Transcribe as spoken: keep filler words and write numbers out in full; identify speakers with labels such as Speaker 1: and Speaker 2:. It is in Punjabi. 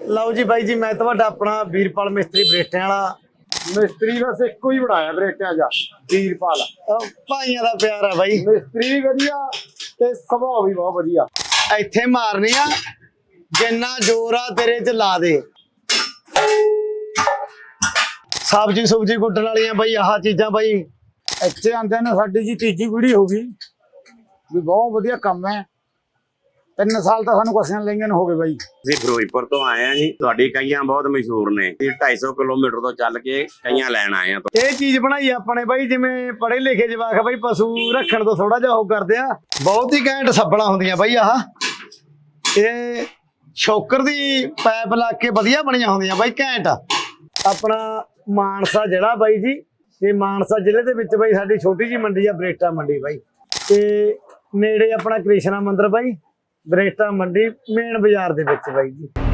Speaker 1: ਲਓ ਜੀ ਬਾਈ ਜੀ, ਮੈਂ ਤੁਹਾਡਾ ਆਪਣਾ ਵੀਰਪਾਲ ਮਿਸਤਰੀ ਬਰੇਟਿਆਂ ਵਾਲਾ।
Speaker 2: ਮਿਸਤਰੀ ਬਸ ਇੱਕੋ ਹੀ ਬਣਾਇਆ ਬਰੇਟਿਆਂ ਜਾ, ਵੀਰਪਾਲ।
Speaker 1: ਭਾਈਆਂ ਦਾ ਪਿਆਰ ਆ ਬਾਈ।
Speaker 2: ਮਿਸਤਰੀ ਵੀ ਵਧੀਆ ਤੇ ਸੁਭਾਅ ਵੀ ਬਹੁਤ ਵਧੀਆ।
Speaker 1: ਇੱਥੇ ਮਾਰਨੀ ਆ, ਜਿੰਨਾ ਜ਼ੋਰ ਆ ਤੇਰੇ ਚ ਲਾ ਦੇ। ਸਬਜ਼ੀ ਸੁਬਜੀ ਕੁੱਟਣ ਵਾਲੀਆਂ ਬਾਈ ਆਹ ਚੀਜ਼ਾਂ ਬਾਈ।
Speaker 2: ਇੱਥੇ ਆਂਦੇ ਨੇ ਸਾਡੀ ਜੀ ਤੀਜੀ ਪੀੜ੍ਹੀ ਹੋ ਗਈ ਵੀ, ਬਹੁਤ ਵਧੀਆ ਕੰਮ ਹੈ। ਤਿੰਨ ਸਾਲ ਤਾਂ ਸਾਨੂੰ ਕਸੀਆਂ ਲਈਆਂ ਨੂੰ ਹੋ ਗਏ ਬਾਈ।
Speaker 3: ਅਸੀਂ ਫਿਰੋਜ਼ਪੁਰ ਤੋਂ ਆਏ ਆ ਜੀ। ਤੁਹਾਡੀ ਕਈਆਂ ਬਹੁਤ ਮਸ਼ਹੂਰ ਨੇ। ਢਾਈ ਸੌ ਕਿਲੋਮੀਟਰ ਤੋਂ ਚੱਲ ਕੇ ਕਈਆਂ ਲੈਣ ਆਏ ਆ।
Speaker 1: ਇਹ ਚੀਜ਼ ਬਣਾਈ ਆਪਣੇ ਬਾਈ, ਜਿਵੇਂ ਪੜ੍ਹੇ ਲਿਖੇ ਜਵਾਕ ਬਾਈ ਪਸ਼ੂ ਰੱਖਣ ਤੋਂ ਥੋੜਾ ਜਿਹਾ ਉਹ ਕਰਦੇ ਆ। ਬਹੁਤ ਹੀ ਘੈਂਟ ਸੱਬਲਾਂ ਹੁੰਦੀਆਂ ਬਾਈ ਆਹ। ਇਹ ਸ਼ੋਕਰ ਦੀ ਪਾਈਪ ਲਾ ਕੇ ਵਧੀਆ ਬਣੀਆਂ ਹੁੰਦੀਆਂ ਬਾਈ, ਘੈਂਟ। ਆਪਣਾ ਮਾਨਸਾ ਜ਼ਿਲ੍ਹਾ ਬਾਈ ਜੀ, ਇਹ ਮਾਨਸਾ ਜ਼ਿਲ੍ਹੇ ਦੇ ਵਿੱਚ ਬਾਈ ਸਾਡੀ ਛੋਟੀ ਜਿਹੀ ਮੰਡੀ ਆ, ਬਰੇਟਾ ਮੰਡੀ ਬਾਈ। ਤੇ ਨੇੜੇ ਆਪਣਾ ਕ੍ਰਿਸ਼ਨਾ ਮੰਦਿਰ ਬਾਈ, ਬਰੇਟਾ ਮੰਡੀ ਮੇਨ ਬਾਜ਼ਾਰ ਦੇ ਵਿੱਚ ਬਾਈ ਜੀ।